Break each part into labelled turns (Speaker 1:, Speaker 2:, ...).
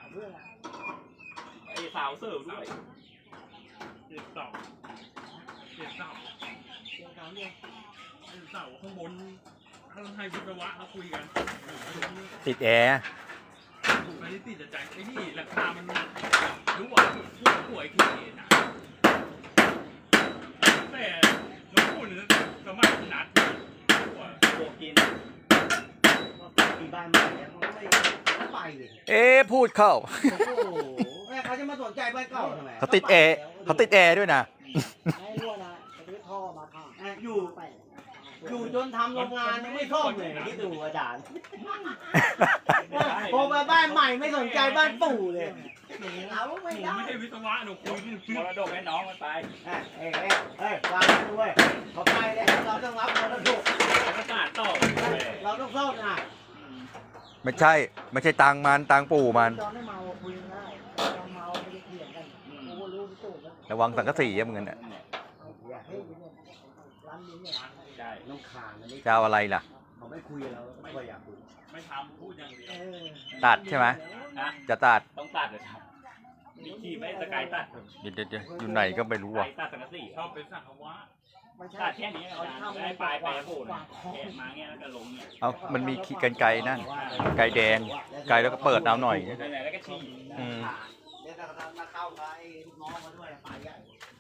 Speaker 1: ไอ้สาวเสิร์ฟด้วย
Speaker 2: เด็กเสาเด็กเสาเสาข้างบนข้างให้วิศวะเขาคุยกัน
Speaker 3: ติดแอร์
Speaker 2: ไม่ได้ติดใจไอ้นี่ราคามันรู้ว่าผู้ป่วยที่นะแต่น้องคุณสมัยนัด
Speaker 1: บวกกิน
Speaker 4: มีบ้านใหม่เนี่ยเขาไม่ไปเลย
Speaker 3: พูดเข้า
Speaker 4: โอ้โหแม่เขาจะมาสนใจบ้านเก่าทำไม
Speaker 3: เขาติดแอร์ด้วยนะ
Speaker 5: ให้รั่วนะซื้อท่อมาข้าง
Speaker 4: อยู่จนทำโรงงานยังไม่ซ่อมเลยที่ดูอาจารย์พอมาบ้านใหม่ไม่สนใจบ้านปู่เลยเราไม่
Speaker 2: ผม
Speaker 4: ได้
Speaker 2: ไม่ใช่วิศวะหนูคุย
Speaker 1: มรดกให้น้องมันไป
Speaker 4: วางด้วยเขาไปเลยเราต้องรับมรดก
Speaker 1: ประกาศต่อ
Speaker 4: เราต้องซ่อมนะ
Speaker 3: ไม่ใช่ตังมันตังปู่มัน
Speaker 5: ตอนไม่เมาคุยกันได้ตอนเมาไม่ได้เถียงกันกูรู้ที่ตู่แล้ว
Speaker 3: ระวังสังกะสีอะมึงน่ะ
Speaker 5: เฮ้ยเนี่ยร้านนี้เนี่ย
Speaker 1: ใช่
Speaker 4: น้องขานอันนี้
Speaker 3: จะเอาอะไรล่ะ
Speaker 4: เขาไม่คุยเราไม่ค่อยอยากคุย
Speaker 2: ไม่ทำพูดอย่างเดียว
Speaker 3: ตัดใช่ไหม
Speaker 1: ฮะ
Speaker 3: จะตัด
Speaker 1: ต้องตัดเลยครับมีขี่ไม่สกายตัด
Speaker 3: เดี๋ยวอยู่ไหนก็ไม่รู้
Speaker 1: ส
Speaker 3: อ่ะ
Speaker 1: กายตัดสังกะสี
Speaker 2: ชอบเป็นสังฆวะ
Speaker 5: ไม่ใช่
Speaker 1: ตัดแค่นี้อาจารย์ได้ปลายแปรโผล่นะแกะมาเงี้ยแล้วก็ลงเนี่ย
Speaker 3: เอามันมีขีดกันไกลนั่นไกลแดงไกลแล้วก็เปิดน้ำหน่อย
Speaker 1: ไหนๆแล้วก็ฉี่
Speaker 3: อืม
Speaker 4: เดี๋ยวเรามาเข้ากับไอ้ลูกน้องมาด้วยป่าใหญ่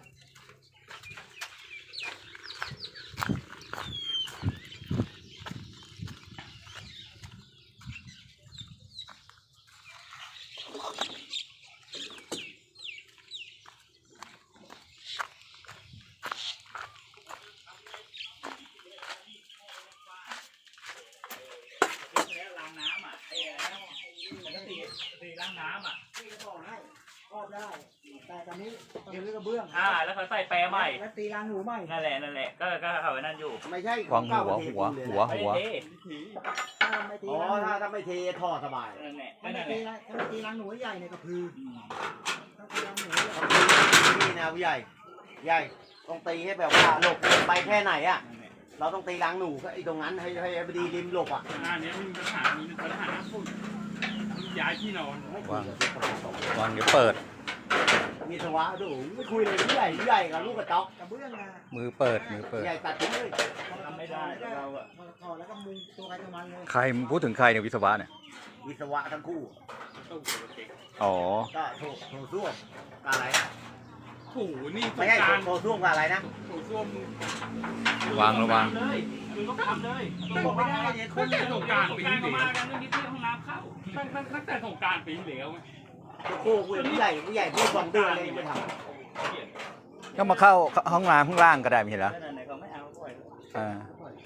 Speaker 1: แล้วล้างน้ำอ่ะไอ้สังกะสีล้างน้ำอ่ะ
Speaker 5: ที่จะบอกให้ครอบได้ แต่ตอนนี้ต้องรื้อกระเบื้อง
Speaker 1: แล้วเขาใส่แปรใหม่
Speaker 5: แล้วตีรางหนูใหม่
Speaker 1: นั่นแหละก็เขาไว้นั่นอยู่
Speaker 4: ไม่ใช่
Speaker 3: วางหัว
Speaker 1: ไม่ได้เท
Speaker 5: ถ้าไม่ตี
Speaker 4: อ๋อ
Speaker 5: ราง
Speaker 4: ถ้าไม่เทท่อสบาย
Speaker 1: นั่นแหละ
Speaker 5: ถ้า
Speaker 1: นั่
Speaker 5: ไม่
Speaker 1: นแห
Speaker 5: ตี
Speaker 1: ละ
Speaker 5: รางถ้าไม่ตีรางหนูใหญ่เนี่ยก็คือต้องตีรางหนูใหญ่
Speaker 4: นี่นะผู้ใหญ่ใหญ่ต้องตีให้แบบว่าหลบไปแค่ไหนอ่ะ เราต้องตีรังหนูไอ้ตรงนั้นให้พอดีริมหลบอ่ะ
Speaker 2: งานนี้มีปัญหาฝุ่นย้ายที่นอน
Speaker 3: วางเดี๋ยวเปิด
Speaker 4: มีสวะดูไม่คุยเลยผู้ใหญ่กับลูกกระจอก
Speaker 5: กระเบื้องนะ
Speaker 3: มือเปิด
Speaker 4: ใหญ่ตัดทิ้งเลย
Speaker 1: ทำไม่ได้เราอะ
Speaker 5: ถอดแล้วก็มุงตัวใครตัวมันเลย
Speaker 3: ใครมึงพูดถึงใครเนี่ยวิศวะเนี่ย
Speaker 4: วิศวะทั้งคู่
Speaker 3: อ๋อ
Speaker 4: ก็โถส้วมกับอะไร
Speaker 2: ถูนี่ส
Speaker 4: ไม่
Speaker 2: ง
Speaker 4: ใช่
Speaker 2: การ
Speaker 4: โถส้วมกับอะไรนะ
Speaker 2: ถูส้วม
Speaker 3: วางระวัง
Speaker 1: เลยคือต้องทำเลย
Speaker 4: บอกไม่ได้เนี่ย
Speaker 2: ตั้งแต่สงการปี
Speaker 1: การ
Speaker 2: ที่
Speaker 1: มา
Speaker 2: แล้ว
Speaker 1: กันเรื่องนี้ที่ห้องน้ำเข้า
Speaker 2: ตั้งแต่สงการปีที่แล้ว
Speaker 4: คู่ผู้ใหญ่พูด2 เดือนเลยไม่ท
Speaker 3: ก็มาเข้าห้องน้ำข้างล่างก็ได้ไม่ใช่เหรอ
Speaker 1: นั่นไหนเขาไม่เอาปล่อย
Speaker 3: อ่า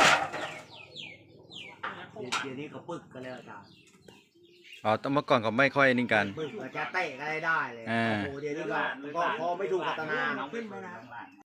Speaker 4: ำเดี๋ยวนี้เขาปึกกันแล้วอาจารย์
Speaker 3: อ๋อเมื่อก่อนเขาไม่ค่อยนิ่งกัน
Speaker 4: ปึกจะเตะกันได้เลยโอ้โหเดี๋ยวนี้ก็พอไม่ถูกพัฒนา
Speaker 1: ขึ้นไปนะ